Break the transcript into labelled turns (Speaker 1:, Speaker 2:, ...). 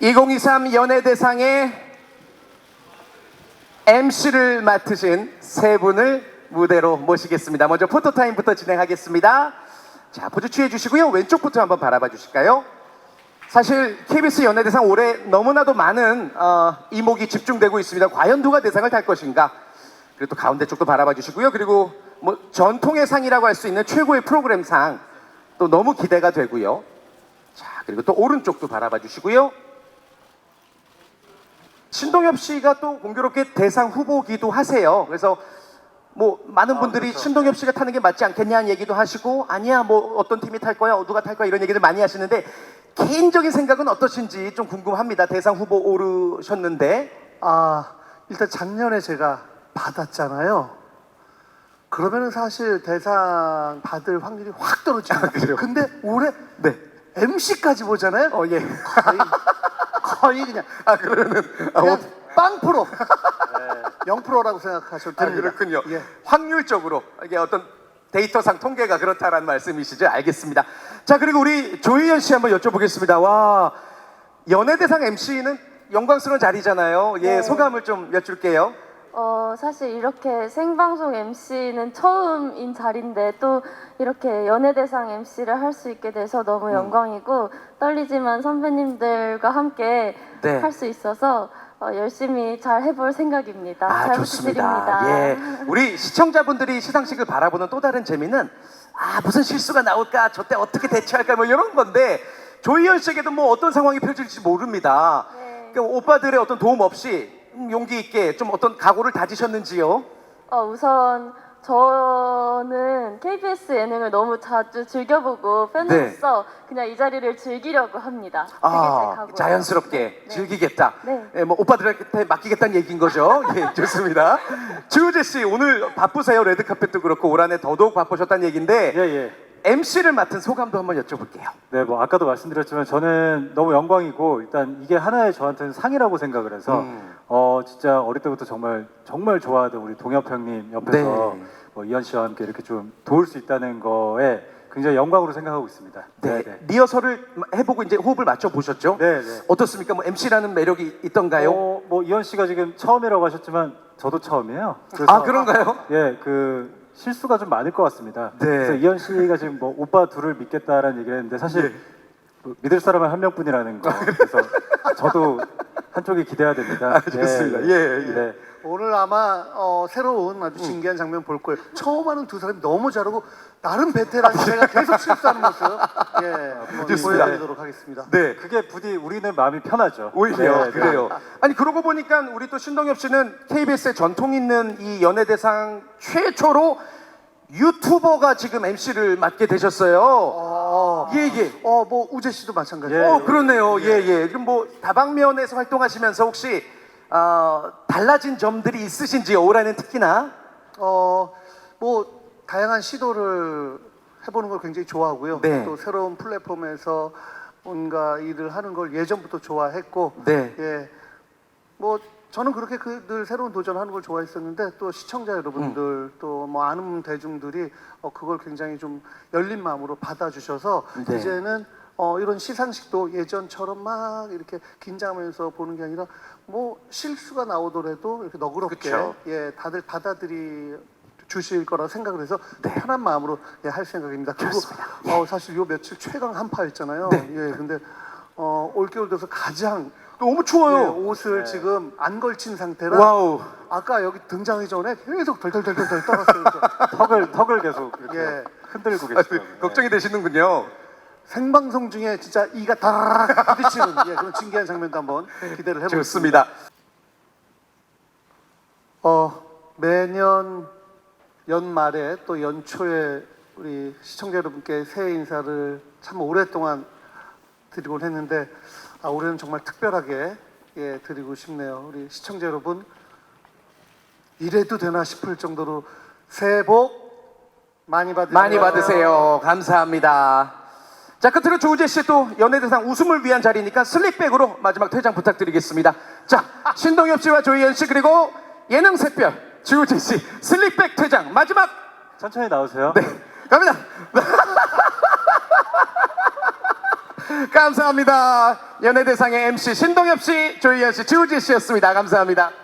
Speaker 1: 2023 연예대상의 MC를 맡으신 세 분을 무대로 모시겠습니다. 먼저 포토타임부터 진행하겠습니다. 자, 포즈 취해 주시고요. 왼쪽부터 한번 바라봐 주실까요? 사실 KBS 연예대상 올해 너무나도 많은 이목이 집중되고 있습니다. 과연 누가 대상을 탈 것인가? 그리고 또 가운데 쪽도 바라봐 주시고요. 그리고 뭐 전통의 상이라고 할 수 있는 최고의 프로그램 상 또 너무 기대가 되고요. 자, 그리고 또 오른쪽도 바라봐 주시고요. 신동엽 씨가 또 공교롭게 대상 후보기도 하세요. 그래서 뭐 많은 분들이
Speaker 2: 그렇죠.
Speaker 1: 신동엽 씨가 타는 게 맞지 않겠냐는 얘기도 하시고, 아니야 뭐 어떤 팀이 탈 거야, 누가 탈 거야, 이런 얘기를 많이 하시는데 개인적인 생각은 어떠신지 좀 궁금합니다. 대상 후보 오르셨는데.
Speaker 2: 일단 작년에 제가 받았잖아요. 그러면은 사실 대상 받을 확률이 확 떨어집니다.
Speaker 1: 그래요?
Speaker 2: 근데 올해
Speaker 1: 네.
Speaker 2: MC까지 보잖아요.
Speaker 1: 예.
Speaker 2: 거의 그냥
Speaker 1: 그러면은
Speaker 2: 그냥 빵프로 0%라고 생각하셔도 됩니다.
Speaker 1: 그렇군요.
Speaker 2: 예.
Speaker 1: 확률적으로 이게 어떤 데이터상 통계가 그렇다라는 말씀이시죠? 알겠습니다. 자, 그리고 우리 조희연 씨 한번 여쭤보겠습니다. 와, 연예대상 MC는 영광스러운 자리잖아요. 예,
Speaker 3: 네.
Speaker 1: 소감을 좀 여쭐게요.
Speaker 3: 사실 이렇게 생방송 MC는 처음인 자리인데 또 이렇게 연예대상 MC를 할 수 있게 돼서 너무 영광이고 떨리지만 선배님들과 함께
Speaker 1: 네.
Speaker 3: 할 수 있어서 열심히 잘 해볼 생각입니다. 잘
Speaker 1: 좋습니다.
Speaker 3: 부탁드립니다.
Speaker 1: 예, 우리 시청자분들이 시상식을 바라보는 또 다른 재미는 무슨 실수가 나올까, 저때 어떻게 대처할까, 뭐 이런 건데 조희연 씨에게도 뭐 어떤 상황이 펼쳐질지 모릅니다.
Speaker 3: 네.
Speaker 1: 그러니까 오빠들의 어떤 도움 없이 용기 있게 좀 어떤 각오를 다지셨는지요?
Speaker 3: 우선 저는 KBS 예능을 너무 자주 즐겨보고 팬으로서 그냥 이 자리를 즐기려고 합니다. 그게 제 각오예요.
Speaker 1: 자연스럽게
Speaker 3: 네.
Speaker 1: 즐기겠다.
Speaker 3: 네.
Speaker 1: 예, 뭐 오빠들한테 맡기겠다는 얘기인 거죠. 예, 좋습니다. 주우재 씨 오늘 바쁘세요. 레드카펫도 그렇고 올 한해 더더욱 바쁘셨다는 얘기인데
Speaker 4: 예.
Speaker 1: MC를 맡은 소감도 한번 여쭤볼게요.
Speaker 4: 네, 뭐 아까도 말씀드렸지만 저는 너무 영광이고 일단 이게 하나의 저한테는 상이라고 생각을 해서 진짜 어릴 때부터 정말 좋아하던 우리 동엽 형님 옆에서
Speaker 1: 네.
Speaker 4: 뭐 이현 씨와 함께 이렇게 좀 도울 수 있다는 거에 굉장히 영광으로 생각하고 있습니다.
Speaker 1: 네, 리허설을 해보고 이제 호흡을 맞춰 보셨죠?
Speaker 4: 네.
Speaker 1: 어떻습니까? 뭐 MC라는 매력이 있던가요?
Speaker 4: 뭐 이현 씨가 지금 처음이라고 하셨지만 저도 처음이에요. 그래서
Speaker 1: 그런가요?
Speaker 4: 예, 그 실수가 좀 많을 것 같습니다.
Speaker 1: 네.
Speaker 4: 그래서 이현 씨가 지금 뭐 오빠 둘을 믿겠다라는 얘기를 했는데 사실 뭐 믿을 사람은 한 명뿐이라는 거. 그래서 저도 한쪽이 기대야 됩니다.
Speaker 1: 좋습니다. 예.
Speaker 4: 네.
Speaker 2: 오늘 아마 새로운 아주 신기한 장면 볼 거예요. 처음 하는 두 사람이 너무 잘하고 나름 베테랑 제가 계속 실수하는 모습 한번
Speaker 1: 좋습니다.
Speaker 2: 보여드리도록 하겠습니다.
Speaker 1: 네.
Speaker 4: 그게 부디 우리는 마음이 편하죠.
Speaker 1: 오히려
Speaker 4: 네,
Speaker 1: 그래요. 아니 그러고 보니까 우리 또 신동엽 씨는 KBS의 전통 있는 이 연예대상 최초로 유튜버가 지금 MC를 맡게 되셨어요. 예.
Speaker 2: 뭐 우재 씨도 마찬가지예요.
Speaker 4: 예.
Speaker 1: 그렇네요. 예. 그럼 뭐 다방면에서 활동하시면서 혹시 달라진 점들이 있으신지요? 올해는 특히나.
Speaker 2: 뭐 다양한 시도를 해보는 걸 굉장히 좋아하고요.
Speaker 1: 네.
Speaker 2: 또 새로운 플랫폼에서 뭔가 일을 하는 걸 예전부터 좋아했고,
Speaker 1: 네.
Speaker 2: 예, 뭐 저는 그렇게 늘 새로운 도전하는 걸 좋아했었는데 또 시청자 여러분들 또 뭐 아는 대중들이 그걸 굉장히 좀 열린 마음으로 받아주셔서
Speaker 1: 네.
Speaker 2: 이제는 이런 시상식도 예전처럼 막 이렇게 긴장하면서 보는 게 아니라 뭐 실수가 나오더라도 이렇게 너그럽게
Speaker 1: 그쵸.
Speaker 2: 예 다들 받아들이 주실 거라 생각을 해서 편한 마음으로 할 생각입니다. 그리고 사실 요 며칠 최강 한파였잖아요. 예, 근데 올겨울 돼서 가장
Speaker 1: 너무 추워요.
Speaker 2: 옷을 지금 안 걸친 상태라
Speaker 1: 와우.
Speaker 2: 아까 여기 등장하기 전에 계속 덜덜덜덜 떨었어요.
Speaker 4: 턱을 계속 이렇게
Speaker 2: 예.
Speaker 4: 흔들고 계시더라고요.
Speaker 1: 걱정이 되시는군요.
Speaker 2: 생방송 중에 진짜 이가 다라락 부딪히는 그런 신기한 장면도 한번 기대를 해보겠습니다.
Speaker 1: 좋습니다.
Speaker 2: 매년 연말에 또 연초에 우리 시청자 여러분께 새해 인사를 참 오랫동안 드리곤 했는데 올해는 정말 특별하게 드리고 싶네요. 우리 시청자 여러분 이래도 되나 싶을 정도로 새해 복 많이 받으세요.
Speaker 1: 많이 받으세요. 감사합니다. 자, 끝으로 조우재 씨 또 연예대상 웃음을 위한 자리니까 슬릭백으로 마지막 퇴장 부탁드리겠습니다. 자, 신동엽 씨와 조희연 씨 그리고 예능 샛별 조우재 씨 슬릭백 퇴장 마지막.
Speaker 4: 천천히 나오세요.
Speaker 1: 네, 갑니다. 감사합니다. 연예대상의 MC 신동엽 씨, 조희연 씨, 주우지 씨였습니다. 감사합니다.